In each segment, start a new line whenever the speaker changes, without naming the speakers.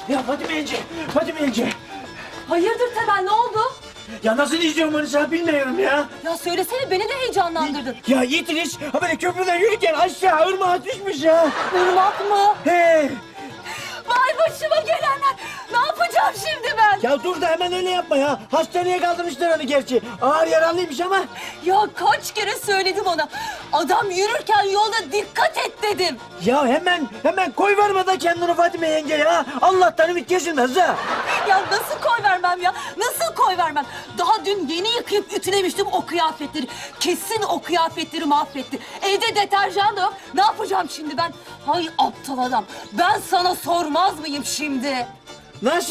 Ya Fatime yenge.
Hayırdır Temel, ne oldu?
Ya nasıl diyeceğim onu sana bilmiyorum ya.
Ya söylesene, beni de heyecanlandırdın.
Ya Yitiriş, ha böyle köprüden yürürken aşağı ırmağa düşmüş ya.
Irmak mı?
He.
Vay başıma gelenler. Ne yapacağım şimdi ben?
Ya dur da hemen öyle yapma ya. Hastaneye kaldırmışlar onu gerçi. Ağır yaralıymış ama.
Ya kaç kere söyledim ona. Adam yürürken yolda dikkat et dedim.
Ya hemen koy verme da kendini Fatime yenge ya. Allah'tan ümit kesilmez ha.
Ya nasıl koy vermem ya? Nasıl koy vermem? Daha dün yeni yıkayıp ütülemiştim o kıyafetleri. Kesin o kıyafetleri mahvetti. Evde deterjan da yok. Ne yapacağım şimdi ben? Hay aptal adam. Ben sana sormaz mıyım şimdi?
Nasıl?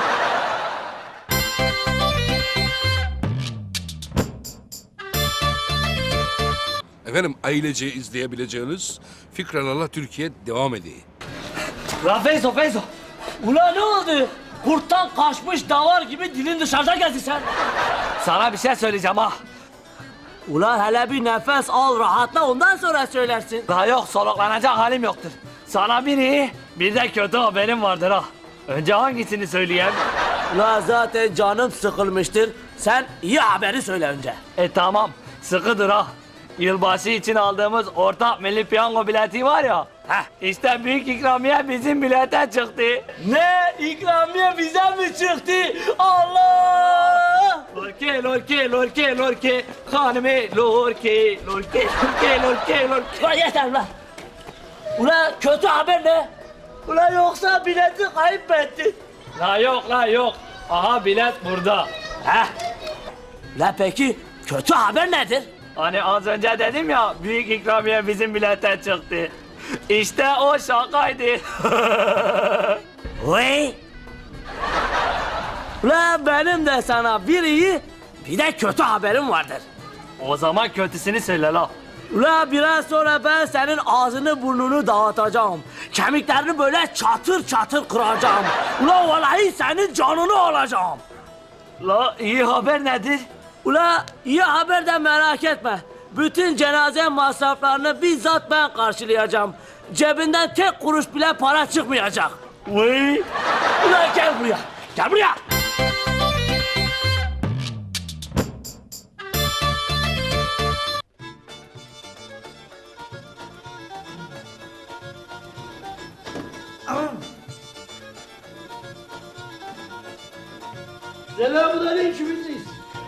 Efendim ailece izleyebileceğiniz Fikralarla Türkiye devam ediyor.
La Feyzo. Ulan ne oldu? Kurttan kaçmış davar gibi dilin dışarıda geldi sen. Sana bir şey söyleyeceğim ha. Ulan hele bir nefes al rahatla ondan sonra söylersin. La yok soluklanacak halim yoktur. Sana bir iyi bir de kötü haberim vardır ha. Önce hangisini söyleyeyim?
La zaten canım sıkılmıştır. Sen iyi haberi söyle önce.
Tamam sıkıdır ha. Yılbaşı için aldığımız ortak milli piyango bileti var ya. İşte büyük ikramiye bizim bilete çıktı. Ne? İkramiye bize mi çıktı? Allah! Lorke. Hanımı lorke.
Ulan yeter lan. Ulan kötü haber ne? Ulan yoksa bileti kaybettin.
La yok. Aha bilet burada.
La peki kötü haber nedir?
Hani az önce dedim ya büyük ikramiye bizim bilete çıktı. İşte o şakaydı.
Vay! Ulan benim de sana bir iyi bir de kötü haberim vardır.
O zaman kötüsünü söyle la.
Ulan biraz sonra ben senin ağzını burnunu dağıtacağım. Kemiklerini böyle çatır çatır kıracağım. Ulan vallahi senin canını alacağım.
La iyi haber nedir?
Ula iyi haber de merak etme. Bütün cenaze masraflarını bizzat ben karşılayacağım. Cebinden tek kuruş bile para çıkmayacak.
Vay.
Ulan gel buraya. Gel buraya.
Selamünaleyküm İdris.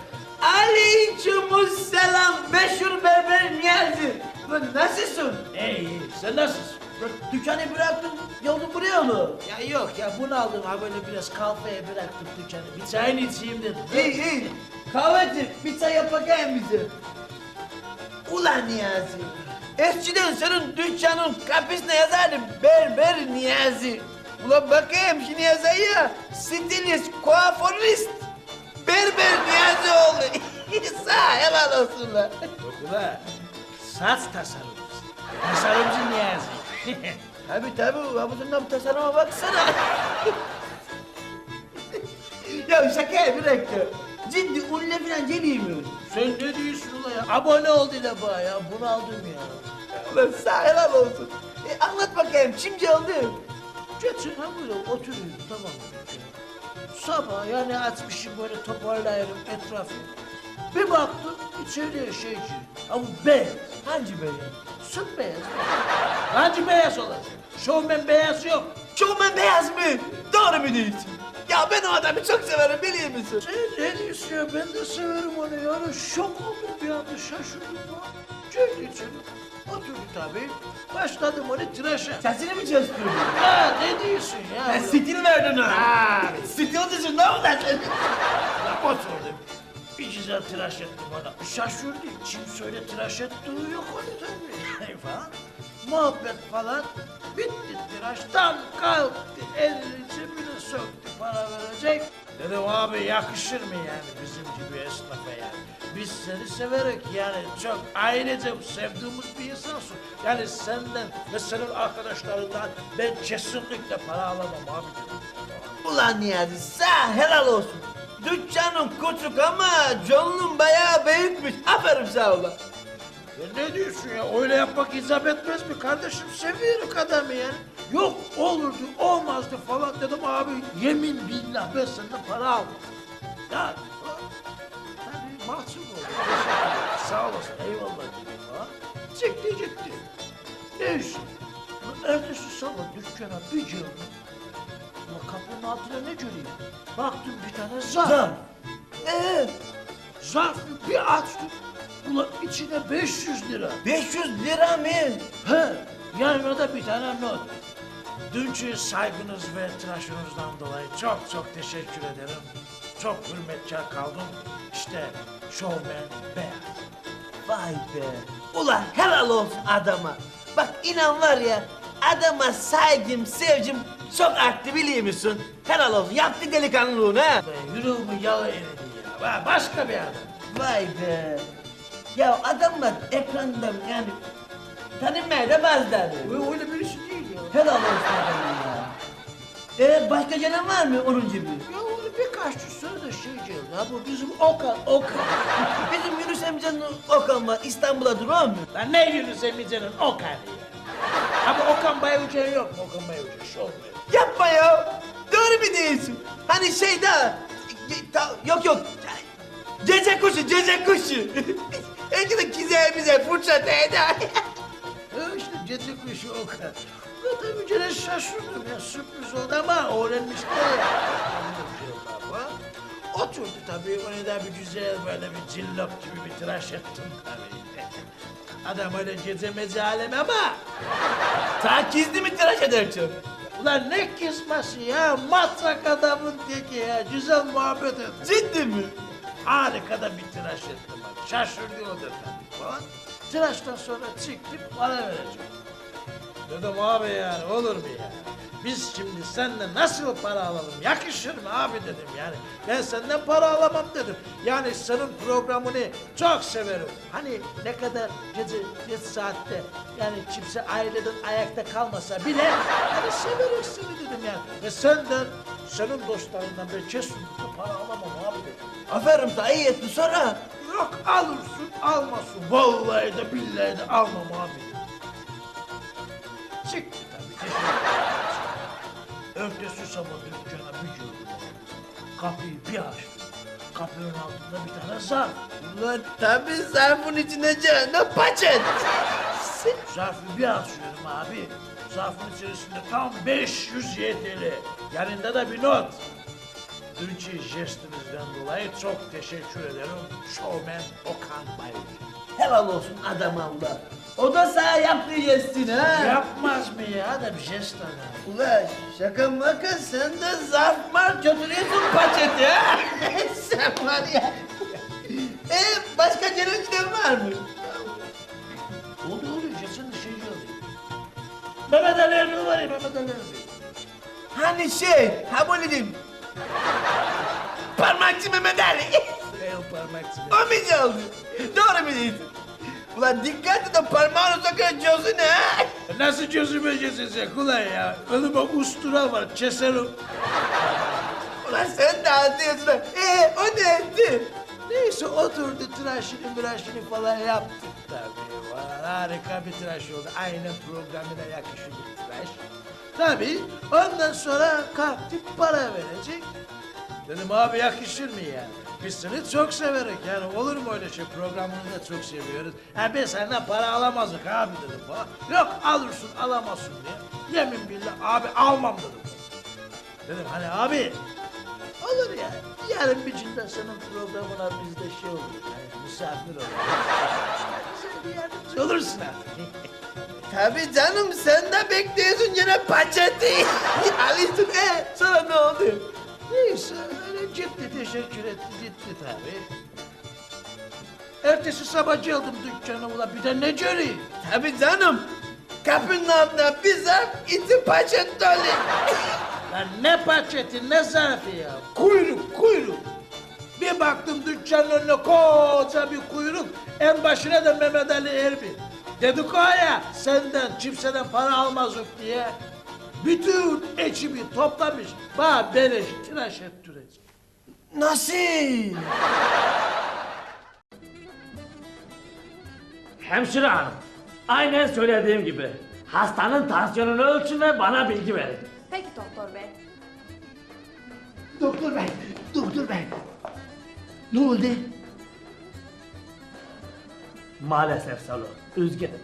Aleykümselam meşhur berber Niyazi. Lan nasılsın? İyi, sen nasılsın? Lan dükkanı bıraktın, yolun buraya mı?
Ya yok ya bunu aldım ha böyle biraz kafeye bıraktım dükkanı. Bir çayını içeyim dedim.
İyi. Kahveci, bir çay yap bakayım bize. Ulan Niyazi. Eskiden senin dükkanın kapısına yazardım berber Niyazi. Ulan bakayım şu Niyazi'ye stilist, kuaförist, berber Niyazi oldu. Sağ helal olsun lan.
Yok ulan saç tasarımcısı. Tasarımcı Niyazi.
Tabii, abuzundan bu tasarıma baksana. Ya şaka bıraktı. Ciddi unle falan geleyim mi?
Sen ne diyorsun ulan ya? Abone ol dile bana ya bunu aldım ya.
Ulan sağ helal olsun. Anlat bakayım, şimdi oldu.
Geçin ha böyle oturuyorum tamam mı? Sabah yani açmışım böyle toparlayırım etrafı. Bir baktım içeriye şeyci. Ha bu beyaz. Hangi beyaz? Süt beyaz. Hangi beyaz olacak? Şovmen beyaz yok.
Şovmen beyaz mı? Doğru mu diyorsun? Ya ben o adamı çok severim biliyor musun?
Sen ne diyorsun ya? Ben de severim onu yani. Şok oldum bir anda şaşırdım. Geldi içeri. Oturdu tabii. Başladım onu tıraşa.
Sesini mi çalıştırdın?
Ha ne diyorsun ya?
Stil verdin ha. Stil dışında mı lan sen?
Oturdum. Bir güzel tıraş ettim ona. Şaşırdı. Kim söyle tıraş ettiği yok onu tabii. Falan. Muhabbet falan. Bitti tıraştan kalktı. Elini cebine söktü para verecek. Dedim abi yakışır mı yani bizim gibi esnafa yani. Biz seni severek yani çok ailece sevdiğimiz bir insansın. Yani senden ve senin arkadaşlarından ben kesinlikle para alamam abi dedim.
Ulan Niyazi sağ helal olsun. Dükkanın küçük ama canın bayağı büyükmüş. Aferin sağ ol.
Ya ne diyorsun ya? Öyle yapmak icap etmez mi kardeşim? Seviyorum adamı yani. Yok olurdu, olmazdı falan dedim abi. Yemin billah ben senden para aldım. Ya tabii mahcup oldum. Teşekkür ederim. Sağ olasın, eyvallah dedim ha. Çıktı gitti. Neyse. Ertesi sabah dükkana bir girdim. Ulan kapının altına ne göreyim? Baktım bir tane zarf. Zarfı bir açtım. Ulan içine 500 lira.
500 lira mı?
He, yanına da bir tane not. Dünkü saygınız ve tıraşınızdan dolayı çok çok teşekkür ederim. Çok hürmetkar kaldım. İşte Showman Beyaz.
Vay be. Ulan helal olsun adama. Bak inan var ya adama saygım, sevgim çok arttı biliyor musun? Helal olsun. Yaptı delikanlılığını ha.
Be, yüreğimi yala eridi ya. Va, başka bir adam.
Vay be. Ya adamlar ekrandan yani tanınmaya da bazıları.
Öyle birisi değil ya.
Helal olsun adama ya. Başka gelen var mı onun gibi?
Ya öyle birkaç sonra da şey geldi. Ha bu bizim Okan.
Bizim Yunus amcanın Okan var. İstanbul'a duruyor mu?
Lan ne Yunus Emre'nin Okan'ı ya? Ama Okan Bayucan yok mu? Okan Bayucan, Showman.
Yapma ya. Doğru mu diyorsun? Hani şey daha... Yok. Gece kuşu. Belki de güzelimize fırça değdi.
İşte gece kuşu Okan. Ya tabii gene şaşırdım ya, sürpriz oldu ama öğrenmişler ya. Oturdu tabii, onu da bir güzel böyle bir cillop gibi bir tıraş ettim tabii. Adam öyle gecemeci alem ama...
Ta gizli mi tıraş edersin?
Ulan ne kızması ya, matrak adamın teki ya, güzel muhabbet ettim.
Ciddi mi?
Harika da bir tıraş ettim abi, şaşırdı o da tabii falan. Tıraştan sonra çıktım, para vereceğim. Dedim abi yani, olur mu ya? Biz şimdi senden nasıl para alalım, yakışır mı abi dedim yani. Ben senden para alamam dedim. Yani senin programını çok severim. Hani ne kadar gece geç saatte yani kimse aileden ayakta kalmasa bile hani severim seni dedim yani. Ve senden, senin dostlarından ben kesinlikle para alamam abi dedim.
Aferin sana iyi ettin sonra.
Yok alırsın almasın. Vallahi de billahi de almam abi dedim. Çıktı tabii teşekkür ederim. Ertesi sabah dükkana bir girdim. Kapıyı bir açtım. Kapının altında bir tane zarf.
Ulan tabii zarfın içine canına paçet.
Zarfı bir açıyorum abi. Zarfın içerisinde tam 500 YTL. Yanında da bir not. Dünkü jestinizden dolayı çok teşekkür ederim. Showman Okan Bayur.
Helal olsun adama Allah. O da sana yaptığı jestin ha.
Yapmaz mı ya da bir jest adam.
Ulan şaka maka sen de zarf mar götürüyorsun paçeti ha. Sen var ya. Başka gelen giden var mı?
Oldu jestin şey oldu. Mehmet Ali Erbil var ya Mehmet Ali Erbil.
Hani şey, ha böyle diyeyim. Parmakçı Mehmet Ali.
El parmakçı.
O mu çaldı? Doğru mu diyorsun? Ulan dikkat et de parmağını sokan gözüne ha.
Nasıl gözüme kesecek ulan ya? Önüme ustura var, keserim.
Ulan sen de anlıyorsun ha. O ne etti?
Neyse oturdu tıraşını falan yaptık tabii. Vay, harika bir tıraş oldu. Aynen programına yakışır bir tıraş. Tabii ondan sonra kalktık para verecek. Dedim abi yakışır mı yani? Biz seni çok severek yani olur mu öyle şey, programını da çok seviyoruz. Ha ben senden para alamazdık abi dedim bana. Yok alırsın alamazsın diye. Yemin billah abi almam dedim. Dedim hani abi olur ya. Yarın bir günde senin programına biz de şey olur. Yani misafir olur. Sen bir yardımcı olursun artık.
Tabii canım sen de bekliyorsun gene paçeti. Alıyorsun sonra ne oldu?
Neyse öyle gitti teşekkür etti gitti tabii. Ertesi sabah geldim dükkana ulan bir de ne göreyim?
Tabii canım. Kapının altına bir zarf içi paçet dolu.
Lan ne paketi ne zarfı ya? Kuyruk. Bir baktım dükkanın önüne koca bir kuyruk. En başına da Mehmet Ali Erbil. Dedik o ya senden kimseden para almazdık diye. Bütün ekibi toplamış. Bana beleş tıraş ettirecek.
Nasıl?
Hemşire hanım, aynen söylediğim gibi.
Hastanın tansiyonunu ölçün ve bana bilgi verin.
Peki doktor bey.
Doktor bey, doktor bey. Ne oldu?
Maalesef Salo, üzgünüm.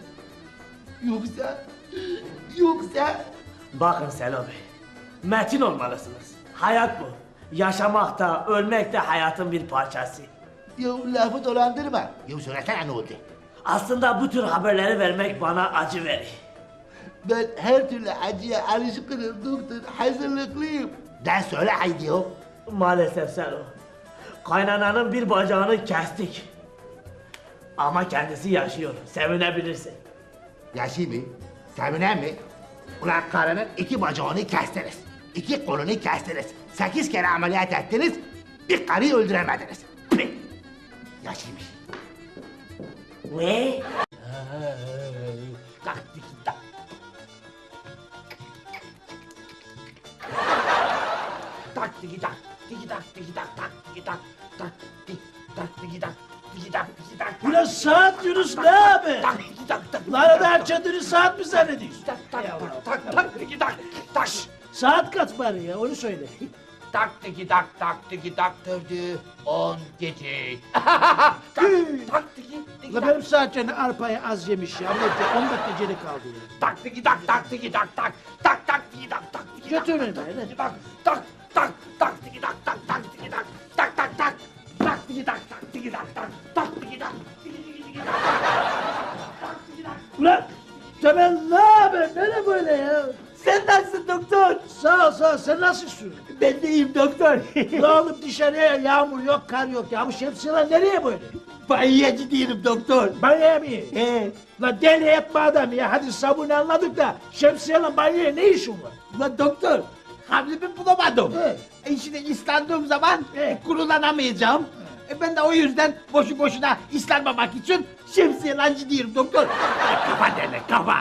Yoksa...
Bakın Selo Bey, metin olmalısınız. Hayat bu. Yaşamak da, ölmek de hayatın bir parçası.
Ya lafı dolandırma. Ya söylesene ne oldu?
Aslında bu tür haberleri vermek bana acı verir.
Ben her türlü acıya alışkınım doktor. Hazırlıklıyım. De söyle haydi ya.
Maalesef Selo. Kaynananın bir bacağını kestik. Ama kendisi yaşıyor, sevinebilirsin.
Yaşıyor mu? Sevinen mi? Ulan karının 2 bacağını kestiniz. 2 kolunu kestiniz. 8 kere ameliyat ettiniz. Bir karıyı öldüremediniz. Pih! Yaşıyormuş.
Ne?
Kalk dikit tak. Tak dikit tak. Dikit tak, dikit tak, tak dikit tak. Tak dik tak dikit tak. Dikit tak, dikit tak.
Ulan saat Yunus ne abi?
Tak dikit tak, tak.
Lan da kendini saat mi zannediyorsun?
Tak tak tak tak dikit tak. Tak.
Saat kaç bari ya onu söyle.
Tak tiki tak tak tiki tak dövdü 10 gece. Tak tiki tiki
La
tak.
benim saatçenin arpayı az yemiş ya. Ne 10 dakika geri kaldı ya.
Tak tiki tak tak tiki tak tak. Tak tak tiki tak tak tiki tak.
Götürün beni.
Tiki tak tak tak tak tiki tak tak tak tiki tak. Tak tak tak. Tak tiki tak tak tiki tak tak. Tak tiki tak. Tiki tiki tiki tak. Tak tiki tak.
Ulan Temel ne haber? Nere böyle ya?
Sen nasılsın doktor?
Sağ ol sağ ol. Sen nasılsın?
Ben de iyiyim doktor.
La oğlum dışarıya yağmur yok, kar yok ya. Bu şemsiyeler nereye böyle?
Banyoya gidiyorum doktor.
Banyoya mı?
He.
La deli etme adam ya. Hadi sabunu anladık da şemsiyeyle banyoya ne işin var?
Ulan doktor, havlumu bulamadım.
He.
Şimdi ıslandığım zaman
He.
kurulanamayacağım. Ben de o yüzden boşu boşuna ıslanmamak için şemsiyeyle gidiyorum doktor. Kafa derler, kafa.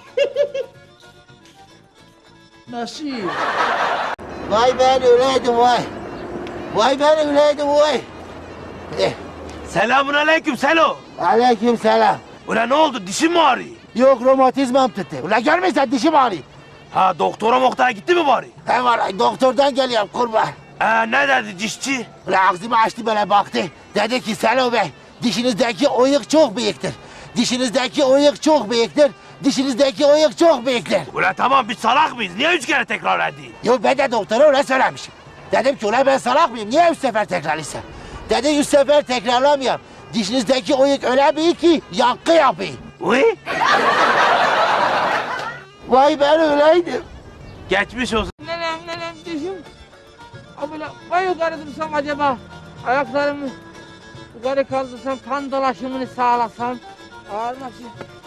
Nasıl?
Vay ben öyleydim vay. Vay ben öyleydim vay.
Selamun aleyküm Selo.
Aleyküm selam.
Ulan ne oldu, dişin mi ağrıyor?
Yok romatizmam tuttu. Ulan görmüyorsan dişim ağrıyor.
Ha, doktora moktara gitti mi bari?
He vallahi doktordan geliyorum kurban.
Ne dedi dişçi?
Ulan ağzımı açtı böyle baktı. Dedi ki Selo Bey dişinizdeki oyuk çok büyüktür. Dişinizdeki oyuk çok büyüktür. Dişinizdeki oyuk çok büyüktür.
Ulan tamam, biz salak mıyız? Niye 3 kere tekrar edeyim?
Yo ben de doktora öyle söylemişim. Dedim ki ulan ben salak mıyım? Niye 3 sefer tekrarlaysam? Dedi 3 sefer tekrarlamayayım. Dişinizdeki oyuk öyle büyük ki yankı yapıyor.
Uy,
Vay ben öyleydim.
geçmiş olsun.
Nenem dişim. Ha böyle vay yukarı dursam acaba ayaklarımı yukarı kaldırsam kan dolaşımını sağlasam ağırmasın.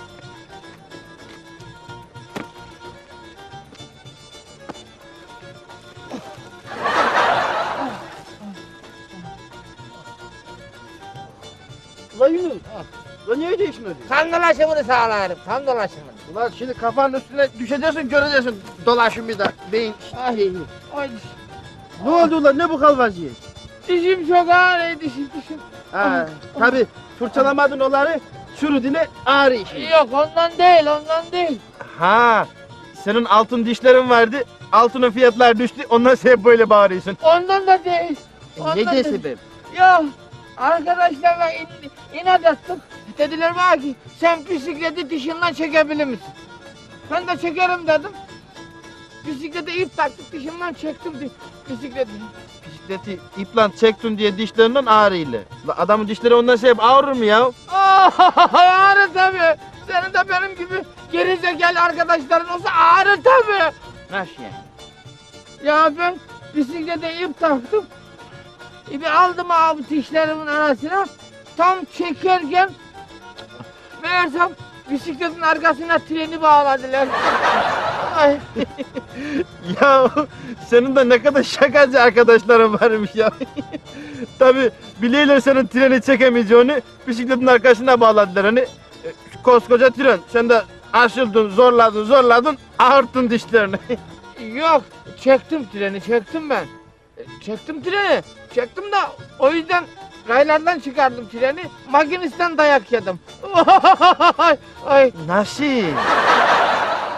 Ulan Yunus, ulan niye değiştin öyle?
Kan dolaşımını sağlarım, kan dolaşımını.
Ulan şimdi kafanın üstüne düşeceksin, göreceksin dolaşım bir de beyin.
Ay, ay
Ne oldu ulan, ne bu kalvacıyı?
dişim çok ağrıyor dişim.
Ha, tabi fırçalamadın onları, çürüdüğüne ağrı işi.
Yok ondan değil.
Ha, senin altın dişlerin vardı, altının fiyatlar düştü, ondan sen böyle bağırıyorsun.
Ondan da değil.
Ne diye sebep?
Yok arkadaşlarla inat ettim. Dediler bana ki sen bisikleti dişinden çekebilir misin? Ben de çekerim dedim. Bisiklete ip taktık dişimden çektim bisikleti.
Bisikleti iplant çektin diye dişlerinden ağrıyla. La adamın dişleri ondan sebep ağrır mı ya?
Ağrır tabii. Senin de benim gibi gerizekalı arkadaşların olsa ağrır tabii.
Nasıl yani?
Ya ben bisiklete ip taktım. İpi aldım abi dişlerimin arasına. Tam çekerken meğersem bisikletin arkasına treni bağladılar. Ay.
Ya senin de ne kadar şakacı arkadaşların varmış ya. Tabi bileyle senin treni çekemeyeceğini bisikletin arkasına bağladılar hani. Koskoca tren, sen de aşıldın, zorladın, ağırttın dişlerini.
Yok çektim ben. Çektim treni. Çektim de o yüzden raylardan çıkardım treni. Makinistten dayak yedim. Ay.
Nasıl?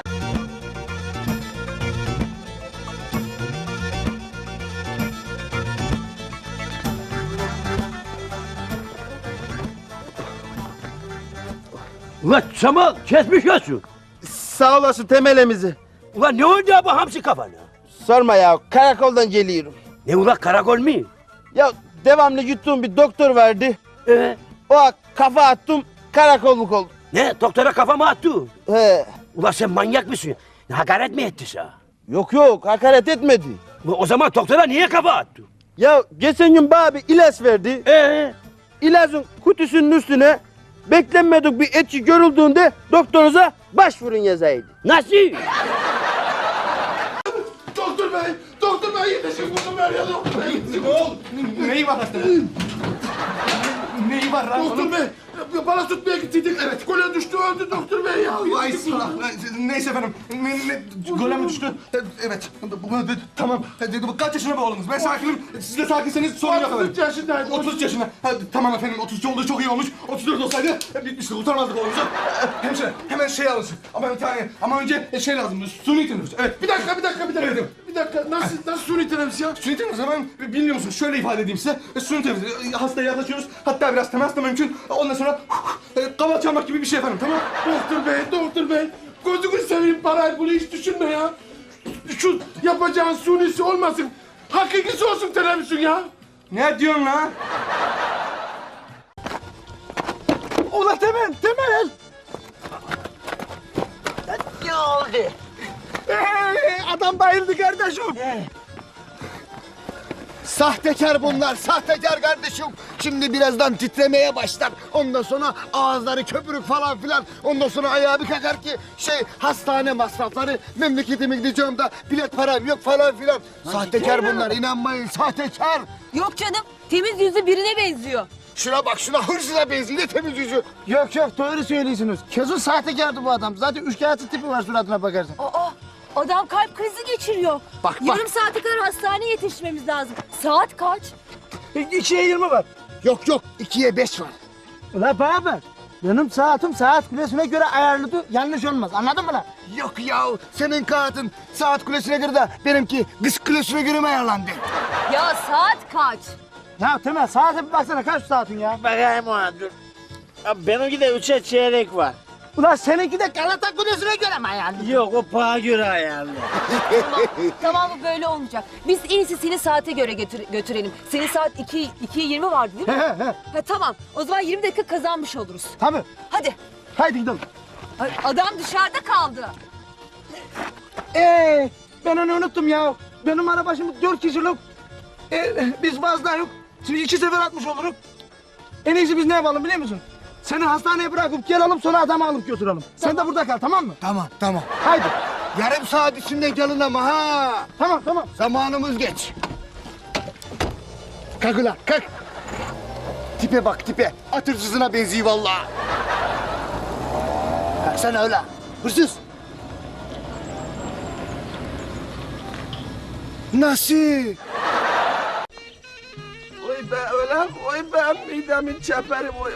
Ulan Cemal kesmiş olsun.
Sağ olasın temelimizi.
Ulan ne oldu ya bu hamsi kafana?
Sorma ya, karakoldan geliyorum.
Ne ulan karakol mu?
Ya devamlı yuttuğum bir doktor vardı. O kafa attım, karakolluk oldum.
Ne doktora kafa mı attı?
He.
Ulan sen manyak mısın? Hakaret mi etti sana?
Yok, hakaret etmedi.
Ulan o zaman doktora niye kafa attı?
Ya geçen gün bana bir ilaç verdi. İlacın kutusunun üstüne beklenmedik bir etki görüldüğünde doktorunuza başvurun yazaydı.
Nasıl?
Doktor bey yetişin bunu ver ya doktor bey. Ne oldu? Neyi var hastanın? Neyi var lan? Doktor bey, bana tutmaya gittiydik. Evet, gole düştü, öldü doktor bey ya. Vay sıra. Neyse efendim, gole mi düştü? Evet, tamam. Kaç yaşında bu oğlunuz? Ben sakinim, siz de sakinseniz sorun yok efendim.
33 yaşındaydı.
33 yaşında. Tamam efendim, 33 olduğu çok iyi olmuş. 34 olsaydı bitmişti, kurtarmazdık oğlumuzu. Hemşire, hemen şey alınsın. Ama bir tane, ama önce şey lazım, suni teneffüs. Evet.
Bir dakika. Bir dakika, nasıl suni teneffüs ya?
Suni teneffüs hemen bilmiyor musunuz? Şöyle ifade edeyim size. Suni teneffüs. Hastaya yaklaşıyoruz. Hatta biraz temas da mümkün. Ondan sonra kaval çalmak gibi bir şey efendim. Tamam.
Doktor bey. Gözünü seveyim parayı bunu hiç düşünme ya. Şu yapacağın sunisi olmasın. Hakikisi olsun teneffüsün ya.
Ne diyorsun lan?
Ulan Temel!
Ne oldu?
Adam bayıldı kardeşim.
Sahtekar bunlar, sahtekar kardeşim. Şimdi birazdan titremeye başlar. Ondan sonra ağızları köpürük falan filan. Ondan sonra ayağı bir kakar ki hastane masrafları, memleketime gideceğim de bilet param yok falan filan. Sahtekar bunlar, inanmayın sahtekar.
Yok canım, temiz yüzlü birine benziyor.
Şuna bak, şuna hırsıza benziyor, ne temiz yüzü.
Yok doğru söylüyorsunuz. Kesin sahtekardı bu adam. Zaten üçkağıtçı tipi var suratına bakarsan.
Aa, adam kalp krizi geçiriyor.
Bak.
Yarım saate kadar hastaneye yetişmemiz lazım. Saat kaç?
2'ye 20 var.
Yok 2'ye 5 var.
Ulan bana bak. Benim saatim saat kulesine göre ayarlıdır. Yanlış olmaz. Anladın mı lan?
Yok ya, senin kağıtın saat kulesine göre de benimki kız kulesine göre mi ayarlandı?
Ya saat kaç?
Ya Temel saate bir baksana kaç saatin ya?
Bakayım ona dur. Abi benimki de 3'e çeyrek var.
Ulan seninki de Galata Kulesi'ne göre mi ayarlı?
Yok o paha göre ayarlı.
Tamam bu böyle olmayacak. Biz en iyisi seni saate göre götürelim. Senin saat 2'ye 20 vardı değil mi? Ha, tamam. O zaman 20 dakika kazanmış oluruz.
Tabii.
Hadi.
Haydi gidelim.
Ay, adam dışarıda kaldı.
Ben onu unuttum ya. Benim araba şimdi 4 kişilik. Biz fazla yok. Şimdi 2 sefer atmış oluruz. En iyisi biz ne yapalım biliyor musun? Seni hastaneye bırakıp gelelim sonra adamı alıp götürelim. Sen de burada kal tamam mı?
Tamam.
Haydi.
Yarım saat içinde gelin ama ha.
Tamam.
Zamanımız geç. Kalk ulan kalk. Tipe bak tipe. At hırsızına benziyor vallahi. Kalksana öyle. Hırsız. Nasıl?
Oy be ulan, oy be midemin çeperi, oy.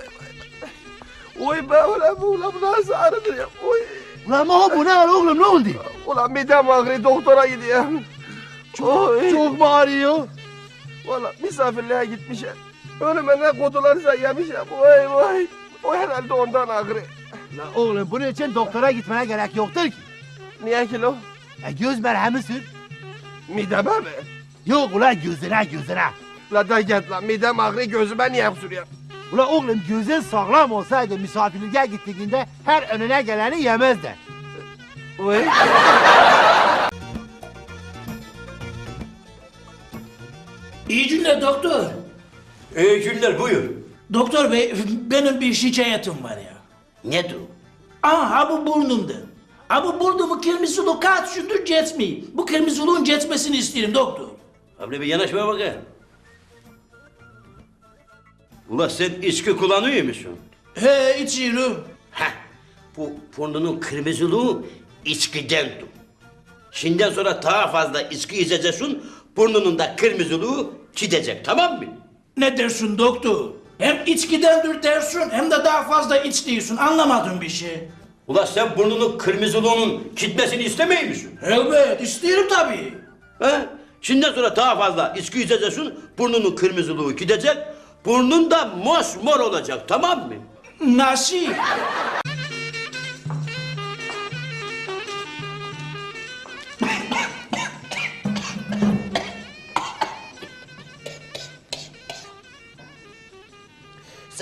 Oy be ulan bu nasıl ağrıdır ya, oy.
Ulan bu ne oğlum ne oldu?
Ulan midem ağrıyor, doktora gidiyorum.
Çok mu ağrıyor?
Valla misafirliğe gitmişim. Önüme ne kutularsa yemişim, oy. O herhalde ondan ağrıyor.
Ulan oğlum bunun için doktora gitmene gerek yoktur ki.
Niye ki lo?
Göz merhemi sür.
Mideme mi?
Yok ulan gözüne.
La da git lan, midem ağrıyor, gözüme niye sürüyor?
Ulan oğlum gözün sağlam olsaydı misafirliğe gittiğinde her önüne geleni yemezdi.
Oy.
İyi günler doktor.
İyi günler buyur.
Doktor bey benim bir şikayetim var ya.
Nedir?
Aha bu burnumda. Bu burnumu kırmızılı kaç gündür geçmiyor. Bu kırmızılığın geçmesini isterim doktor.
Abi bir yanaşmaya bakayım. Ulan sen içki kullanıyor musun?
He içiyorum.
Heh, bu burnunun kırmızılığı içkidendir. Şimdiden sonra daha fazla içki içeceksin, burnunun da kırmızılığı gidecek, tamam mı?
Ne dersin doktor? Hem içkidendir dersin hem de daha fazla iç diyorsun. Anlamadım bir şey.
Ulan sen burnunun kırmızılığının gitmesini istemiyor musun?
Elbet isterim tabii.
He? Şimdiden sonra daha fazla içki içeceksin, burnunun kırmızılığı gidecek, burnun da mosmor olacak, tamam mı?
Nasıl?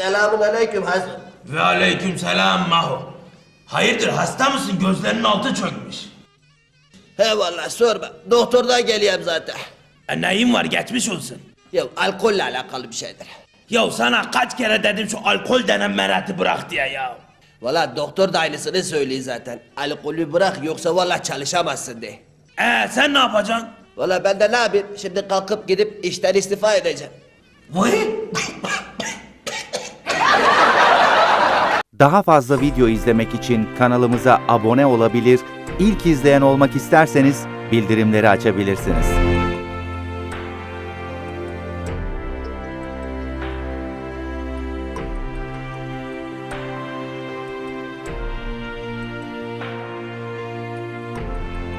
Selamun aleyküm Hasan.
Ve aleyküm selam Maho. Hayırdır hasta mısın? Gözlerinin altı çökmüş.
He vallahi sorma. Doktordan geliyorum zaten.
Neyin var geçmiş olsun.
Ya alkolle alakalı bir şeydir.
Ya sana kaç kere dedim şu alkol denen merati bırak diye ya.
Vallahi doktor da aynısını söylüyor zaten. Alkolü bırak yoksa vallahi çalışamazsın diye.
Sen ne yapacaksın?
Vallahi ben de ne yapayım? Şimdi kalkıp gidip işten istifa edeceğim.
Vay.
Daha fazla video izlemek için kanalımıza abone olabilir, ilk izleyen olmak isterseniz bildirimleri açabilirsiniz.